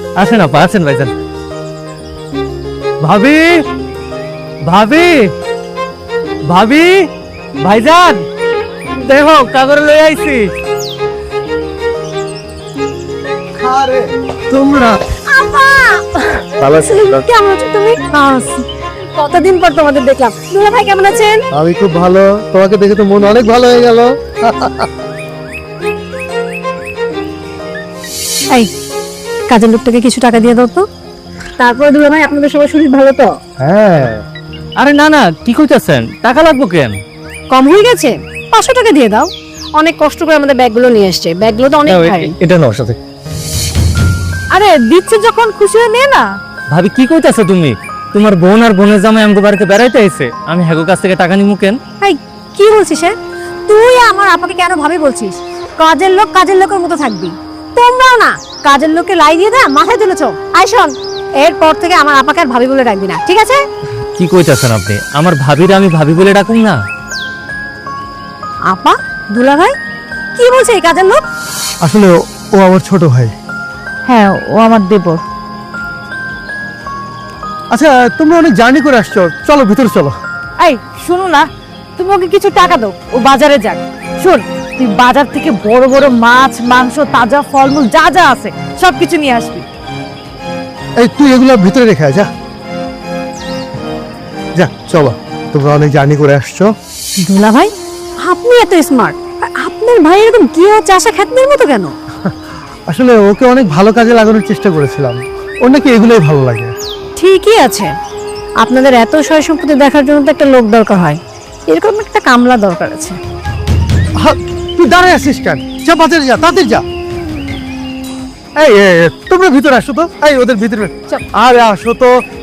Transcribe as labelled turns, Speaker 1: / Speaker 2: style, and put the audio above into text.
Speaker 1: আসেন আপা, আসেন ভাইজান। ভাবি, ভাবি, ভাবি, ভাইজান দেখো কাগর লই আইছি। তোমরা
Speaker 2: ভালো আছি।
Speaker 3: কেমন আছো তুমি? কতদিন পর তোমাদের দেখলাম। দুলা ভাই কেমন আছেন?
Speaker 2: আমি খুব ভালো, তোমাকে দেখে তো মন অনেক ভালো হয়ে গেল।
Speaker 3: এই কাজের লোকটাকে কিছু টাকা দিয়ে দাও তো। তারপরে দুলা ভাই আপনাদের সবার শরীর ভালো তো?
Speaker 2: হ্যাঁ,
Speaker 1: আরে না না, কি কইতাছেন? টাকা লাগবো কেন?
Speaker 3: কম হয়ে গেছে? 500 টাকা দিয়ে দাও। অনেক কষ্ট করে আমাদের ব্যাগগুলো নিয়ে এসছে, ব্যাগগুলো তো অনেক ভারী।
Speaker 2: এটা নাও সাথে।
Speaker 3: আরে দিচ্ছে যখন খুশি হয়ে নে না।
Speaker 1: ভাবি কি কইতাছো তুমি? তোমার বোন আর বোনের জামাই আমগো বাড়িতে বেড়াইতে আইছে, আমি হ্যাগো কাছ থেকে টাকা নিমু কেন?
Speaker 3: এই কি বলছিস? তুই আমার আপাকে কেন ভাবি বলছিস? কাজের লোক কাজের লোকের মতো থাকবি। তোমরাও না কাজের লোককে লাই দিয়ে দা মাথায় তুলেছো। আই শোন, এরপর থেকে আমার আপাকে আর ভাবি বলে ডাকবি না, ঠিক আছে?
Speaker 1: কি কইতাছেন আপনি? আমার ভাবিরে আমি ভাবি বলে ডাকুম না?
Speaker 3: আপা, দুলা ভাই কি বলছে এই কাজের লোক?
Speaker 2: আসলে ও আমার ছোট ভাই।
Speaker 3: হ্যাঁ, ও আমার দেবর।
Speaker 2: আচ্ছা, তোমরা অনেক জার্নি করে আসছো, চলো ভিতরে চলো।
Speaker 3: এই শোনো না, তুমি ওকে কিছু টাকা দাও, ও বাজারে যাক। শোন, তুই বাজার থেকে বড় বড় মাছ, মাংস, তাজা ফলমূল যা যা আছে সবকিছু নিয়ে আসবি।
Speaker 2: এই তুই এগুলো ভিতরে রেখে আয়, যা যা, চলো। তোমরা অনেক জার্নি করে আসছো।
Speaker 3: দুলা ভাই, আপনি এত স্মার্ট, আপনার ভাই এরকম কি হচ্ছে আশা খ্যাতনের মতো কেন?
Speaker 2: আসলে ওকে অনেক ভালো কাজে লাগানোর চেষ্টা করেছিলাম, ওর নাকি এগুলোই ভালো লাগে।
Speaker 3: ঠিকই আছে, আপনাদের এত সয় সম্পত্তি দেখার জন্য তো একটা লোক দরকার হয়, এরকম একটা কামলা দরকার আছে।
Speaker 2: তুই দাঁড়ায় আসিস কেন? যা বাজারে যা, তাড়াতাড়ি যা। এই তোমরা ভিতরে আসো তো। এই ওদের ভিতরে, আরে আসো তো।